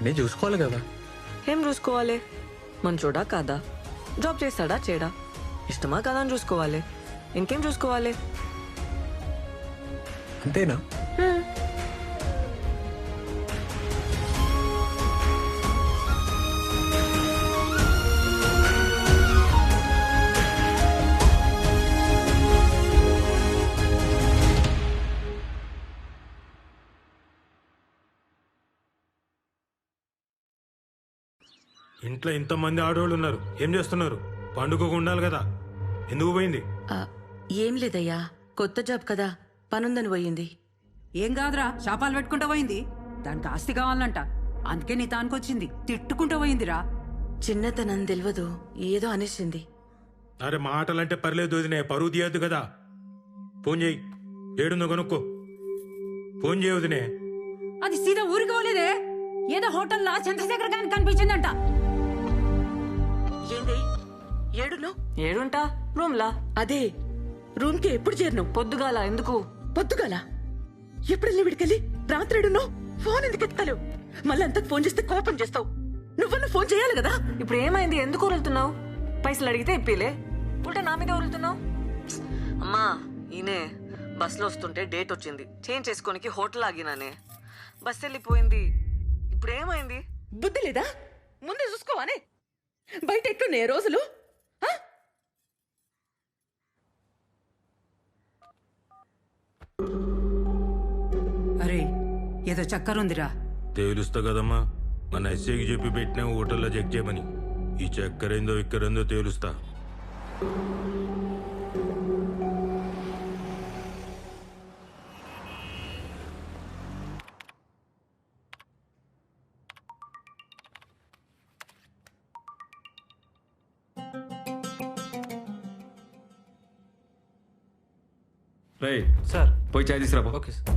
అన్నీ చూసుకోవాలి కదా. ఏం చూసుకోవాలి? మంచోడా కాదా, జాబ్ చేస్తాడా చేయడా, ఇష్టమా కాదా అని చూసుకోవాలి. ఇంకేం చూసుకోవాలి? అంతేనా? ఇంట్లో ఇంతమంది ఆడవాళ్ళు ఉన్నారు, ఏం చేస్తున్నారు? పండుగకు ఉండాలి కదా, ఎందుకు పోయింది? ఏం లేదయ్యా, కొత్త జాబ్ కదా, పనుందని పోయింది. ఏం కాదురా, శాపాలు పెట్టుకుంటూ పోయింది. దానికి ఆస్తి కావాలంట, అందుకే నీ తానుకొచ్చింది. తిట్టుకుంటూ పోయిందిరా. చిన్నతనం తెలియదు, ఏదో అనేసింది. అరే మాటలంటే పర్లేదు వదినే, పరువు తీయద్దు కదా. ఫోన్ చేయి, ఏడుందో కనుక్కో. ఫోన్ చేయ వదినే. అది సీదా ఊరికి పోలేదే, ఏదో హోటల్లో చంద్రశేఖర్ గారికి కనిపించిందంట. ఏంది ఏడును? ఏడుంటా, రూమ్లా. అదే రూమ్ కి ఎప్పుడు చేరినావు? పొద్దుగాల. ఎందుకు పొద్దుగాల? ఎప్పుడెళ్ళి విడికెళ్ళి రాత్రి ఏడున్నావు? ఫోన్ ఎందుకు ఎత్తావు? మళ్ళీ అంతకు ఫోన్ చేస్తే కోపం చేస్తావు. నువ్వన్నా ఫోన్ చేయాలి కదా. ఇప్పుడు ఏమైంది? ఎందుకు వదులుతున్నావు? పైసలు అడిగితే ఇప్పిలే, ఉల్టా నా మీద వదులుతున్నావు. అమ్మా ఈయనే బస్సులో వస్తుంటే డేట్ వచ్చింది, చేంజ్ చేసుకోనికి హోటల్ ఆగినానే, బస్ వెళ్ళిపోయింది. ఇప్పుడు ఏమైంది? బుద్ధి లేదా? ముందే చూసుకోవానే. బయట ఎట్లున్నాయి రోజులు? అరే ఏదో చక్కరుందిరా. తేలుస్తా కదమ్మా, మన ఎస్ఐకి చెప్పి పెట్టిన హోటల్లో చెక్ చేయమని. ఈ చక్కరేందో ఇక్కరేందో తేలుస్తా. రే సార్, పోయి చాయ్ తీసుకురా. Okay sir.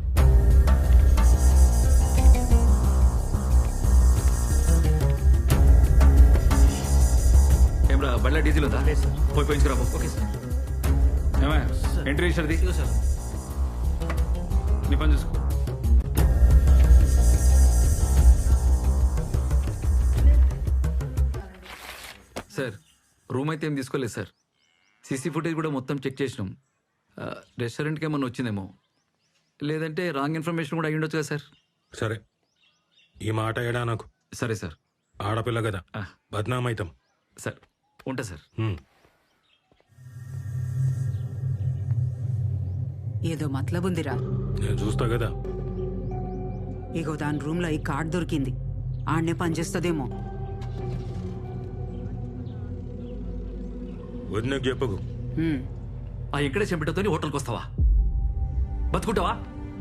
ఏమ్రా, బండ్ల డీజిల్ ఉందా? పోయి పోయించుకురా. Okay sir. ఏమా ఎంట్రీ ఇచ్చారది సార్, నీ పని చూసుకో. సార్, రూమ్ అయితే ఏం తీసుకోలేదు సార్. సీసీ ఫుటేజ్ కూడా మొత్తం చెక్ చేసినాం. రెస్టారెంట్కి ఏమన్నా వచ్చిందేమో, లేదంటే రాంగ్ ఇన్ఫర్మేషన్ కూడా అయ్యి ఉండొచ్చు కదా సార్. సరే, ఈ మాట ఏడా నాకు. సరే సార్. ఆడపిల్ల కదా, బద్నామైతాం. సార్ ఉంటా సార్. ఏదో మతలబుందిరా. నేను చూస్తా కదా. ఇగో దాని రూమ్ లో ఈ కార్డ్ దొరికింది, ఆడనే పనిచేస్తుందేమో. వదినకు చెప్పకు. ఆ ఇక్కడే చెంపిటతో హోటల్కి వస్తావా? బతుకుంటావా?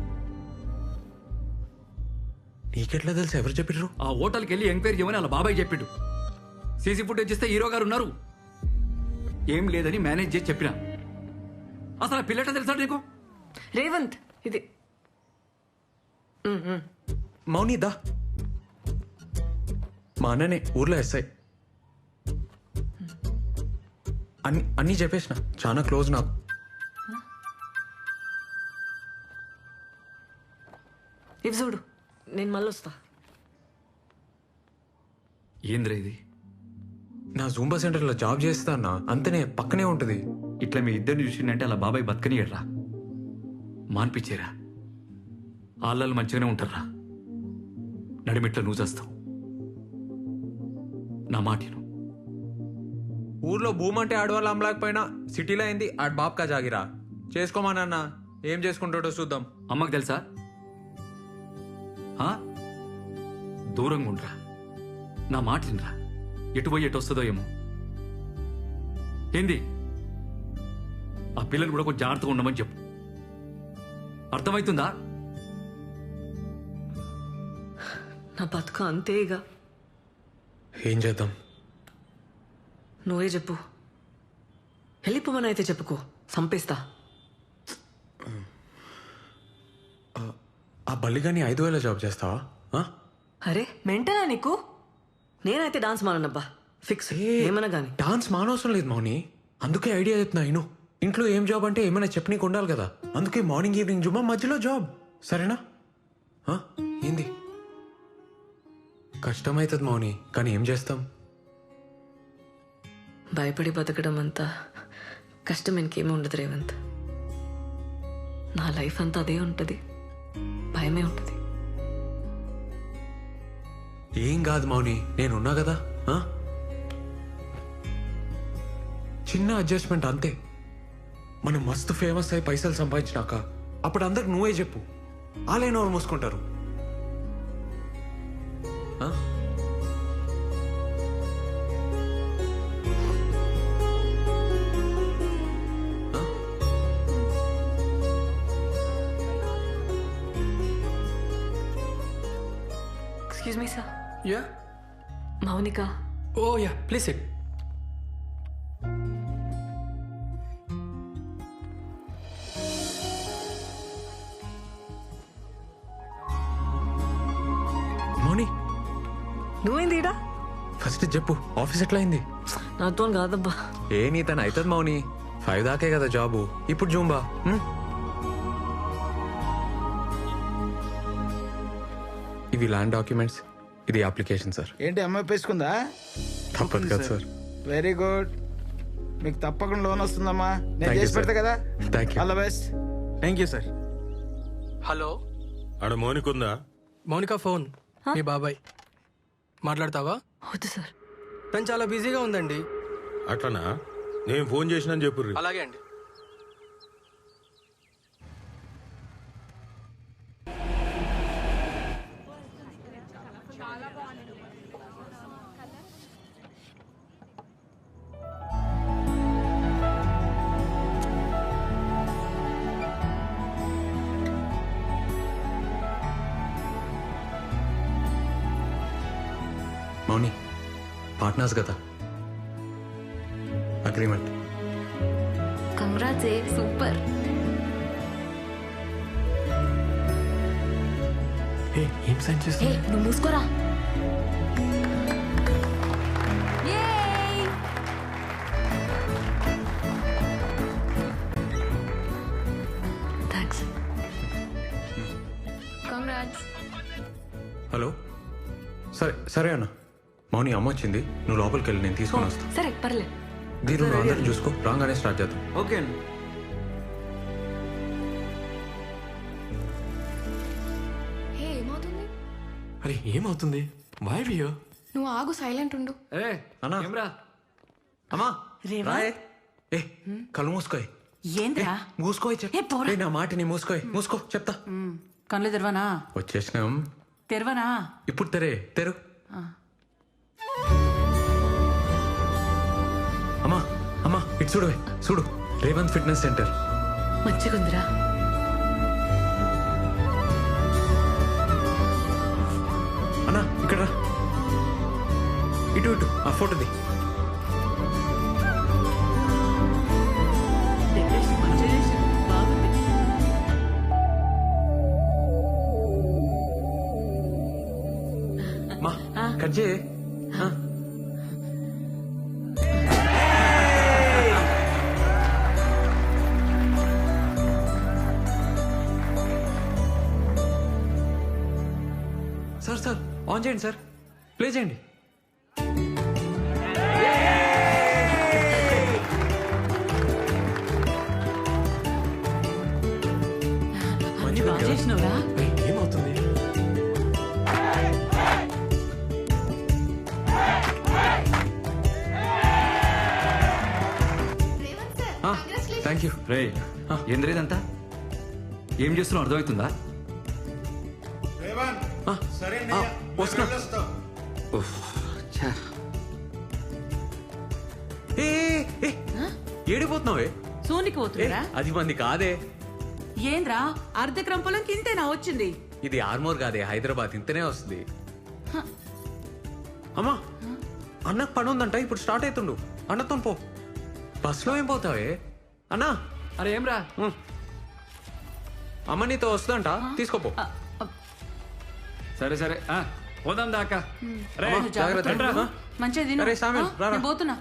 నీకెట్లా తెలుసు? ఎవరు చెప్పిర్రు? ఆ హోటల్కి వెళ్ళి ఎంక్వైరీ చేయమని అలా బాబాయ్ చెప్పిండు. సీసీ ఫుటేజ్ ఇస్తే హీరో గారు ఉన్నారు, ఏం లేదని మేనేజ్ చేసి చెప్పిన. అసలు ఆ పిల్లట తెలుసా నీకు? రేవంత్ ఇది మౌని దా. మా అన్ననే ఊర్లో ఎస్ఐ. అన్నీ చెప్పేసిన, చాలా క్లోజ్ నాకు. ఇవి చూడు, నేను మళ్ళీ వస్తా. ఏంద్రా ఇది? నా జూంబా సెంటర్లో జాబ్ చేస్తా అన్న, అంతనే పక్కనే ఉంటుంది. ఇట్లా మీ ఇద్దరిని చూసిందంటే అలా బాబాయ్ బతకనియడ్రా, మాన్పించేరా. ఆళ్ళలు మంచిగానే ఉంటారా, నడిమిట్లో నువ్వు చేస్తావు. నా మాటను. ఊర్లో భూమి అంటే ఆడవాళ్ళు అమ్మలేకపోయినా సిటీలో అయింది ఆడ బాబ్కా జాగిరా. చేసుకోమానన్న, ఏం చేసుకుంటాడో చూద్దాం. అమ్మకు తెలుసా? దూరంగా ఉండరా, నా మాట వినరా. ఎటు పోయి ఎటు వస్తుందో ఏమో. ఏంది? ఆ పిల్లలు కూడా కొంచెం జాగ్రత్తగా ఉండమని చెప్పు, అర్థమవుతుందా? నా బతుక అంతేగా. ఏం చేద్దాం? నువ్వే చెప్పు. వెళ్ళిపోమని అయితే చెప్పుకో, చంపేస్తా. ఆ బల్లిగాని 5,000 జాబ్ చేస్తావా? అరే మెంటనా నీకు? నేనైతే డాన్స్ మానబ్బా, ఫిక్స్. ఏమన్నా గానీ డాన్స్ మానవసరం లేదు మౌని, అందుకే ఐడియా చెప్తున్నా. ఇను ఇంట్లో ఏం జాబ్ అంటే ఏమైనా చెప్పనీకి ఉండాలి కదా, అందుకే మార్నింగ్ ఈవినింగ్ జుమ్మా, మధ్యలో జాబ్. సరేనా? ఏంది? కష్టమవుతుంది మౌని, కానీ ఏం చేస్తాం? భయపడి బతకడం అంతా కష్టం ఇంకేమీ ఉండదు రేవంత్. నా లైఫ్ అంతా అదే ఉంటుంది, భయమే ఉంటుంది. ఏం కాదు మౌని, నేనున్నా కదా. ఆ? చిన్న అడ్జస్ట్మెంట్ అంతే. మనం మస్తు ఫేమస్ అయి పైసలు సంపాదించినాక అప్పుడు అందరికి నువ్వే చెప్పు, ఆలైన వాళ్ళు మూసుకుంటారు. ఆ? ఆ? Excuse me sir, Yeah? Mounika. Oh, yeah. Please sit. Mouni, నువ్వేంది ఈడ? ఫస్ట్ చెప్పు, ఆఫీస్ ఎట్లా అయింది? నాతో కాదబ్బా. ఏ నీ తను అవుతుంది మౌని, 5 దాకే కదా జాబు. ఇప్పుడు జూంబా. ఇవి ల్యాండ్ డాక్యుమెంట్స్, ఇది అప్లికేషన్ సార్. ఏంటి అమ్మాయి పేసుకుందా? తప్పదు కదా సార్. Very good. మీకు తప్పకుండా లోన్ వస్తుందమ్మా. నేను Thank you, చేసి పెడతా sir. కదా. Thank you. All the best. Thank you sir. Hello, ఆడ మౌనికుందా? మౌనిక ఫోన్. మీ బాబాయ్ మాట్లాడతావా? వద్దు సార్. తను చాలా బిజీగా ఉందండి. అట్లనా? నేను ఫోన్ చేసినని చెప్పుర్రి. అలాగే అండి. మౌని, పార్ట్నర్స్ కదా, అగ్రిమెంట్. Congrats, super. ఏం సైన్ చేస్తా? నువ్వు మూసుకోరా. థ్యాంక్స్. కంగ్రాట్స్. హలో, సరే సరే అన్న. మౌని అమ్మ వచ్చింది, నువ్వు లోపలికి వెళ్ళి నేను తీసుకొని వస్తా. సరే పర్లేదు. దీని నువ్వు అందరిని చూసుకో, రాగానే స్టార్ట్ చేద్దాం. ఓకే అండి. హే, ఏమవుతుంది? అరే ఏమవుతుంది? వై వియో? నువ్వు ఆగు, సైలెంట్ ఉండు. ఏ అన్నా. ఏమ్రా? అమ్మా రేవా? రాయే. ఏ కళ్ళు మూసుకోయ్. ఏంద్రా? మూసుకోయ్ ఏ, పోరా. నా మాటని మూసుకోయ్. మూసుకో చెప్తా. కళ్ళు తెరవనా? వచ్చేసినాం. తెరవనా? ఇప్పుడు తెరు. అమ్మా ఇటు చూడు, రేవంత్ ఫిట్నెస్ సెంటర్. మంచిగుందిరా. అన్నా ఇక్కడ రా. ఇటు ఆ ఫోటోది. డెకరేషన్ మంచిగా చేశారు. బాగుంది. మా కట్ చేయి. సార్ ఆన్ చేయండి సార్, ప్లే చేయండి. అన్ని బాగా చేసినవురా. ఏమవుతుంది? Thank you. రే ఏంద్ర ఇదంతా? ఏం చేస్తున్నావు అర్థమవుతుందా? వస్తున్నా. ఉఫ్, ఛా. ఏడిపోతున్నావే? సోనికి పోతుందిరా. అది మంది కాదే. ఏంద్రా, అర్ధ క్రంపలం కింతేనా వచ్చింది? ఇది ఆర్మోర్ కాదే, హైదరాబాద్. ఇంతనే వస్తుంది. అమ్మా అన్నకు పని ఉందంట, ఇప్పుడు స్టార్ట్ అవుతుండు. అన్నతో పో. బస్సులో ఏం పోతావే? అన్నా. అరే ఏమ్రా? అమ్మ నీతో వస్తుందంట, తీసుకోపో. సరే సరే పోదాం దాకా. రే, అమ్మా, నువ్వు జాగ్రత్త జాగ్రత్త. ఉండు. మంచిగా తిను. అరే, సామిల్, రారా. నేను పోతున్నా.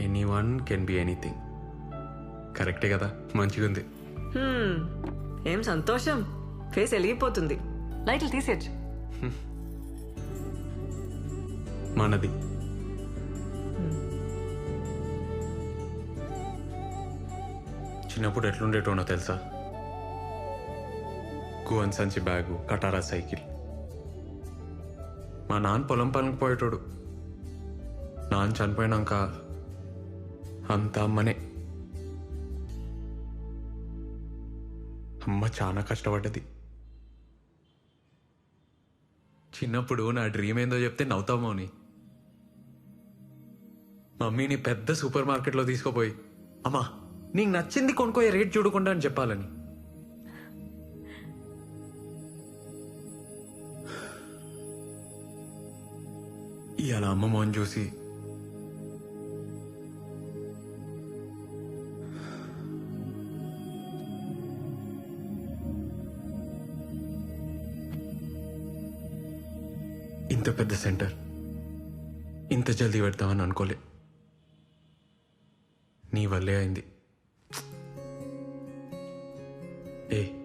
Anyone can be anything. కరెక్టే కదా, మంచిగా ఉంది. ఏం సంతోషం, ఫేస్ వెలిగిపోతుంది. లైట్లు తీసేచ్చు. మనది చిన్నప్పుడు ఎట్లుండేటోనో తెలుసా? గువన్ సంచి బ్యాగు, కటారా సైకిల్. మా నాన్న పొలం పనికి పోయేటోడు. నాన్న చనిపోయినాక అంత అమ్మనే. అమ్మ చాలా కష్టపడ్డది. చిన్నప్పుడు నా డ్రీమ్ ఏందో చెప్తే నవ్వుతామో అని మమ్మీని పెద్ద సూపర్ మార్కెట్లో తీసుకుపోయి, అమ్మా నీకు నచ్చింది కొనుక్కోయే, రేట్ చూడకుండా అని చెప్పాలని. ఇవాళ అమ్మ మొహం చూసి ఇంత పెద్ద సెంటర్ ఇంత జల్దీ పెడతామని అనుకోలే. నీ వల్లే అయింది. ఏ